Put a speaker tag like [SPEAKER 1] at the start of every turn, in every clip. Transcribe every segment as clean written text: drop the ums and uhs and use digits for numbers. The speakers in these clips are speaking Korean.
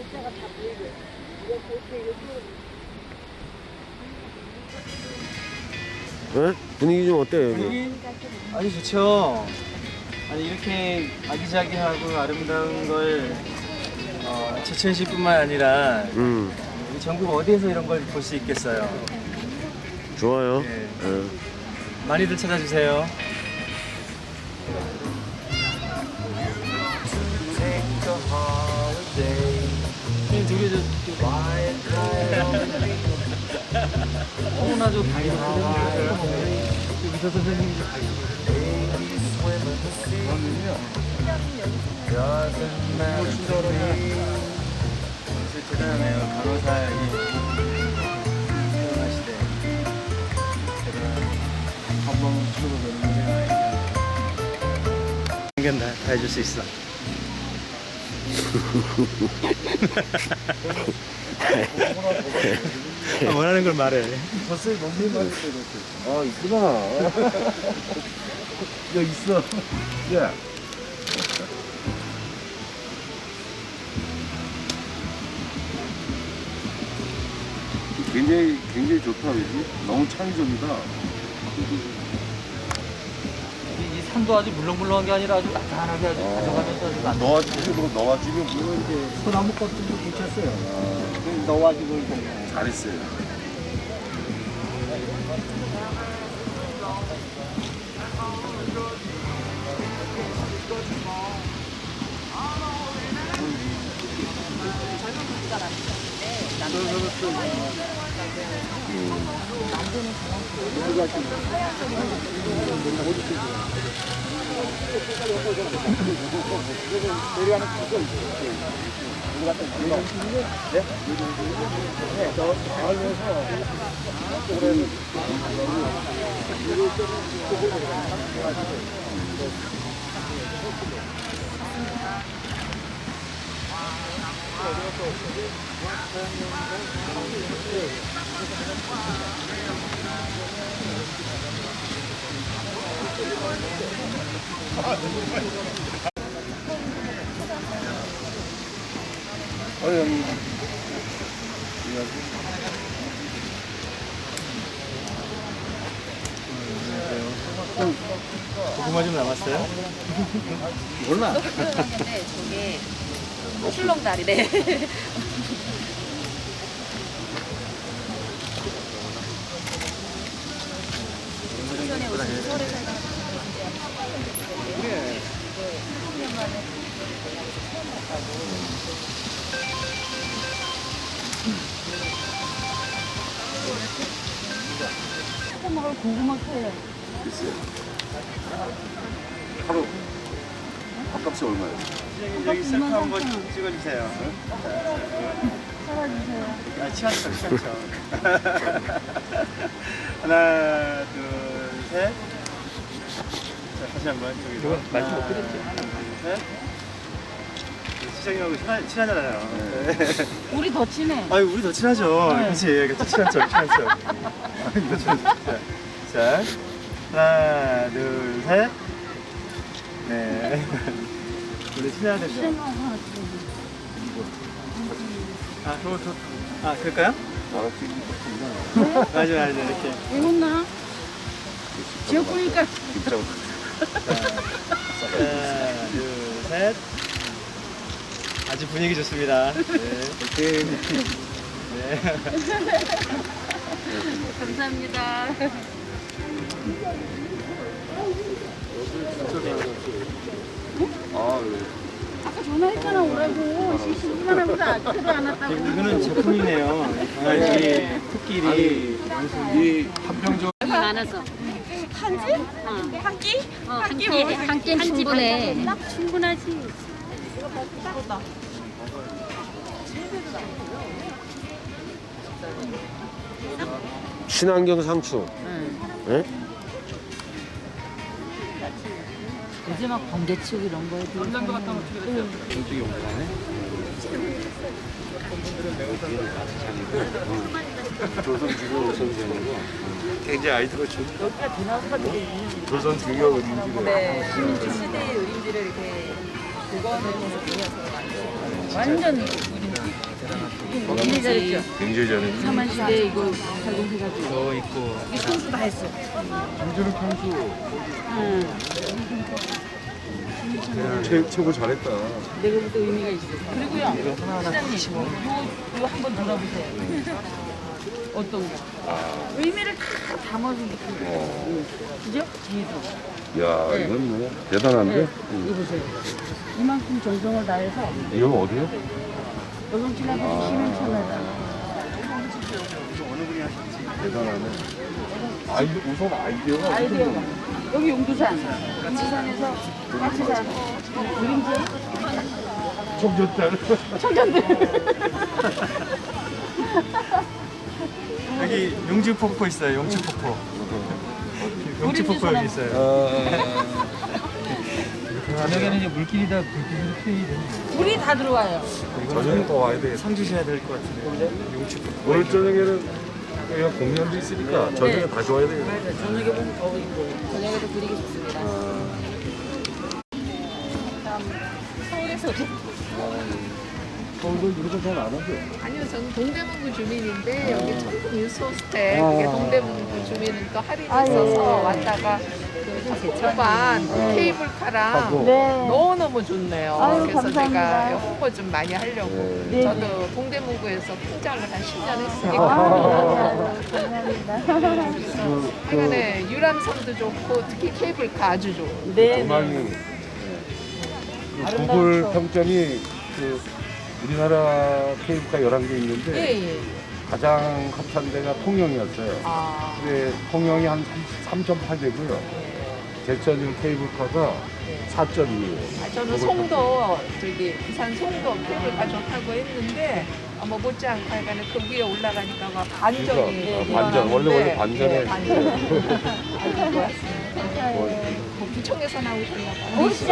[SPEAKER 1] 네? 분위기 좀 어때요 여기?
[SPEAKER 2] 아주 좋죠. 아니 이렇게 아기자기하고 아름다운 걸 제천시뿐만 아니라 우리 전국 어디에서 이런 걸 볼 수 있겠어요.
[SPEAKER 1] 좋아요.
[SPEAKER 2] 네.
[SPEAKER 1] 네.
[SPEAKER 2] 많이들 찾아주세요. 저기 나저 다이어트 의사 선생님이 다 대단하네요. 간호사이 태어나시대. 한번 출근을 하는 다 해줄 수 있어. 원하는 걸 말해. 벌써 너무 말했어.
[SPEAKER 1] 아 이쁘다.
[SPEAKER 2] 야 있어.
[SPEAKER 1] 야. 굉장히 좋다 그지? 너무 창의적이다.
[SPEAKER 2] 이 산도 아주 물렁물렁한 게 아니라 아주 단단하게 아주 가져가면서 아주 안
[SPEAKER 1] 넣어주면 물론 이제
[SPEAKER 2] 소나무 껍질도 붙였어요. 넣어가지고 이렇게.
[SPEAKER 1] 잘했어요. 형님.
[SPEAKER 2] 고구마 좀 남았어요?
[SPEAKER 1] 몰라.
[SPEAKER 3] 네, 저게 출렁다리래. 전에 오신 서울에 살던
[SPEAKER 2] 그래.
[SPEAKER 3] 먹을 고구마 캐.
[SPEAKER 1] 글쎄요. 하루 밥값이 얼마예요?
[SPEAKER 2] 여기 셀카 한번 찍어주세요.
[SPEAKER 3] 살아주세요.
[SPEAKER 2] 아, 치안처, 치안처. 하나, 둘, 셋. 자, 다시 한 번. 저기로.
[SPEAKER 4] 말씀 못 드렸죠.
[SPEAKER 2] 하나, 둘, 셋. 시장님하고 친하잖아요. 네.
[SPEAKER 3] 우리 더 친해.
[SPEAKER 2] 아유, 우리 더 친하죠.
[SPEAKER 3] 네.
[SPEAKER 2] 그치. 친한 척, 친한 척. 이거 친한 척. 자, 하나, 둘, 셋. 네. 우리 친해야 되죠. 아, 아, 그럴까요? 맞아, 이렇게.
[SPEAKER 3] 왜 못나? 지역구니까.
[SPEAKER 2] 하나, 둘, 셋. 아주 분위기 좋습니다. 네. 네.
[SPEAKER 3] 감사합니다. 아까 전화했잖아 오라고. 시시기만 하면서 아직도 안 왔다고.
[SPEAKER 2] 이거는 제품이네요. 강아지, 코끼리.
[SPEAKER 1] 이 한평정
[SPEAKER 3] 많아서. 한지? 한 끼? 한 끼는 충분해. 충분하지.
[SPEAKER 1] 친환경 상추. 예?
[SPEAKER 3] 요즘 막 번개치고 이런 거에
[SPEAKER 2] 남장도 갖다 놓치게
[SPEAKER 4] 이쪽이 올라가네.
[SPEAKER 1] 조선 중요 의성전이고 굉장히 아이디어가 좋다. 조선 중요 의성전.
[SPEAKER 5] 네, 신민주 시대의 의림지를 이렇게 복원을 해서 그려서 만든
[SPEAKER 3] 완전 굉장히 잘했죠.
[SPEAKER 4] 굉장히 잘했네.
[SPEAKER 3] 사만시대 이거 발공해가지고.
[SPEAKER 2] 저 있고
[SPEAKER 3] 이 선수 다 했어.
[SPEAKER 4] 김준욱 선수
[SPEAKER 3] 응.
[SPEAKER 4] 최고 잘했다.
[SPEAKER 3] 내가 볼 때 의미가 있어. 그리고요.
[SPEAKER 2] 이거 하나하나
[SPEAKER 3] 시장님,
[SPEAKER 2] 치고
[SPEAKER 3] 이거 한번 들어보세요. 어떤 거? 의미를 다 담아서 느끼고. 그죠? 뒤에도.
[SPEAKER 4] 야, 이건 뭐 대단한데?
[SPEAKER 3] 이거 보세요. 이만큼 정성을 다해서
[SPEAKER 4] 이건 어디요?
[SPEAKER 3] 여성 지나가서 쉬는 참여다.
[SPEAKER 4] 대단하네. 우선 아이디어가
[SPEAKER 3] 아이디어가. 여기 용두산. 용두산에서 까치산. 그림자.
[SPEAKER 4] 청년들.
[SPEAKER 3] 청년들.
[SPEAKER 2] 여기 용지 폭포 있어요. 용지 폭포. 용지 폭포 여기 있어요. 저녁에는 이제 물길이 다 불길이 되는
[SPEAKER 3] 물이 다 들어와요.
[SPEAKER 4] 저녁에 더 와야 돼.
[SPEAKER 2] 상 주셔야 될 것 같은데. 용지 폭포.
[SPEAKER 4] 오늘 저녁에는 그냥 공연도 있으니까 저녁에 다시 와야 돼요.
[SPEAKER 3] 맞아. 저녁에 보면 더 이뻐요. 저녁에도 그리기 좋습니다. 서울에서
[SPEAKER 4] 서울도 이런 거잘 안 하죠?
[SPEAKER 5] 아니요, 저는 동대문구 주민인데 여기 청풍 유스호스텔 그게 동대문구 주민은 또 할인이 있어서 왔다가 그 초반 케이블카랑 너무너무 좋네요. 그래서 제가 홍보 좀 많이 하려고 저도 동대문구에서 팀장을 한 10년 했으니까 하여간에 유람선도 좋고 특히 케이블카 아주 좋고
[SPEAKER 4] 정말 구글 평점이 우리나라 케이블카 11개 있는데 가장 핫한 데가 통영이었어요. 근데 통영이 한 3.8대고요. 제천 케이블카가 4.2예요.
[SPEAKER 5] 저는 송도 부산 송도 케이블카 좀 타고 했는데 뭐 못지않고 하여간에 그 위에 올라가니까 막 반전이
[SPEAKER 4] 반전. 원래 반전에.
[SPEAKER 5] 아주 좋았어요. 뭐 부청에서 나오셨나 봐요.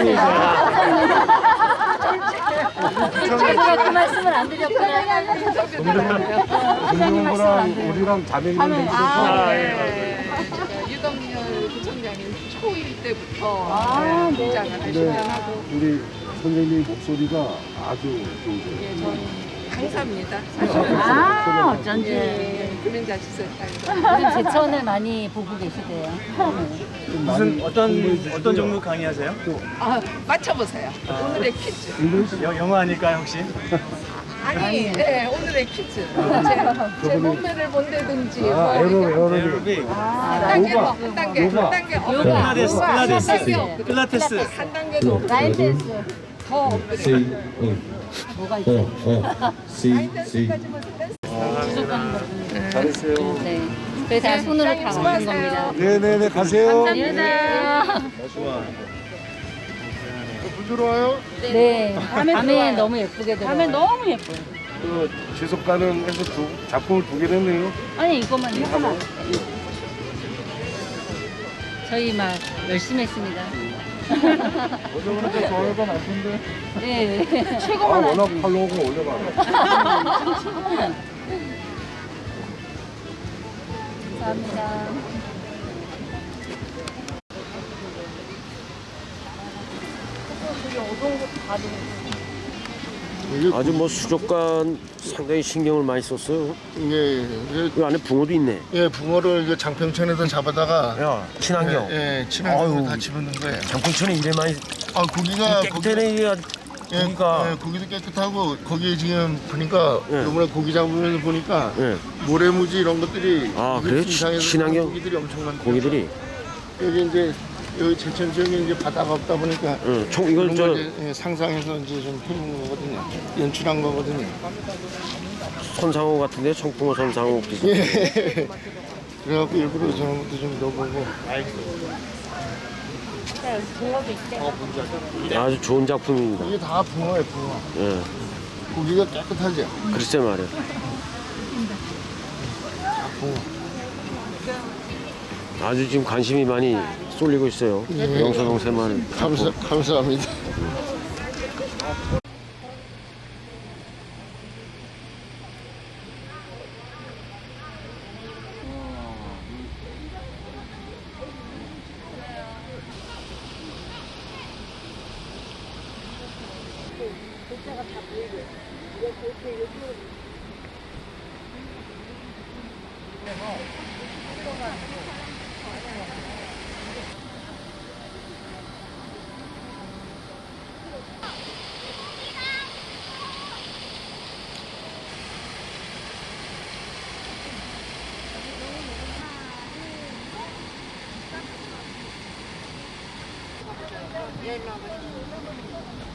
[SPEAKER 3] 제가 그 말씀을 안 드렸구나.
[SPEAKER 4] 김종구랑 우리랑 자매님들
[SPEAKER 5] 유동열 부청장이 초1 때부터 등장을 하시더라고.
[SPEAKER 4] 우리 선생님 목소리가 아주 좋으세요.
[SPEAKER 5] 강사입니다.
[SPEAKER 3] 어쩐지.
[SPEAKER 5] 금연자 지설탕.
[SPEAKER 3] 요즘 제천을 많이 보고 계시대요.
[SPEAKER 2] 무슨 어떤 종류 강의하세요?
[SPEAKER 5] 맞춰보세요. 오늘의 퀴즈.
[SPEAKER 2] 영어 아닐까요 혹시?
[SPEAKER 5] 아니, 네, 오늘의 퀴즈. 제 몸매를 본다든지.
[SPEAKER 4] 에어로빅.
[SPEAKER 5] 한 단계.
[SPEAKER 2] 필라테스.
[SPEAKER 5] 한 단계도 없고.
[SPEAKER 3] 라인 댄스.
[SPEAKER 5] 더 업그레이드.
[SPEAKER 3] 뭐가 있어요?
[SPEAKER 4] 잘했어요.
[SPEAKER 3] 네. 그래서 손으로 다 만든 겁니다.
[SPEAKER 4] 네네네, 가세요.
[SPEAKER 3] 감사합니다.
[SPEAKER 4] 물 들어와요?
[SPEAKER 3] 네. 밤에 너무 예쁘게 들어요. 밤에 너무 예뻐요.
[SPEAKER 4] 지속 가능해서 작품을 2개 냈네요.
[SPEAKER 3] 아니 이것만 하나. 저희 막 열심히 했습니다.
[SPEAKER 4] 어제보니까 좋아요가 많던데.
[SPEAKER 3] 네. 최고만
[SPEAKER 4] 워낙 팔로우가 올려가.
[SPEAKER 3] 감사합니다.
[SPEAKER 1] 아주 뭐 수족관 상당히 신경을 많이 썼어요.
[SPEAKER 6] 예,
[SPEAKER 1] 이 안에 붕어도 있네.
[SPEAKER 6] 예, 붕어를 이제 장평천에다 잡아다가
[SPEAKER 1] 야, 친환경.
[SPEAKER 6] 예, 친환경을
[SPEAKER 1] 아유.
[SPEAKER 6] 다 집어넣은 거예요.
[SPEAKER 1] 장풍천에 이래 많이
[SPEAKER 6] 아, 고기가
[SPEAKER 1] 깨끗하네. 이게 아주
[SPEAKER 6] 예,
[SPEAKER 1] 고기가.
[SPEAKER 6] 예, 고기도 깨끗하고 거기에 지금 보니까
[SPEAKER 1] 예.
[SPEAKER 6] 이번에 고기 잡으면서 보니까
[SPEAKER 1] 예.
[SPEAKER 6] 모래무지 이런 것들이
[SPEAKER 1] 아,
[SPEAKER 6] 이집트
[SPEAKER 1] 그래요?
[SPEAKER 6] 이상에서
[SPEAKER 1] 친환경?
[SPEAKER 6] 고기들이 엄청 많고
[SPEAKER 1] 고기들이.
[SPEAKER 6] 여기 이제 여기 제천 지역에 이제 바다가 없다 보니까
[SPEAKER 1] 응, 총 이걸
[SPEAKER 6] 그런
[SPEAKER 1] 저
[SPEAKER 6] 걸 이제, 예, 상상해서 이제 좀 해놓은 거거든요. 연출한 거거든요.
[SPEAKER 1] 손상호 같은데 청풍호 손상호 기사.
[SPEAKER 6] 예. 그래갖고 일부러 저런 것도 좀 넣어보고.
[SPEAKER 1] 아주 좋은 작품입니다.
[SPEAKER 6] 이게 다 붕어예요, 붕어.
[SPEAKER 1] 예,
[SPEAKER 6] 고기가 깨끗하죠.
[SPEAKER 1] 글쎄 말이야. 아주 지금 관심이 많이 쏠리고 있어요.
[SPEAKER 6] 예.
[SPEAKER 1] 영서동 새마을.
[SPEAKER 6] 감사합니다.
[SPEAKER 3] 야, 일로 와봐.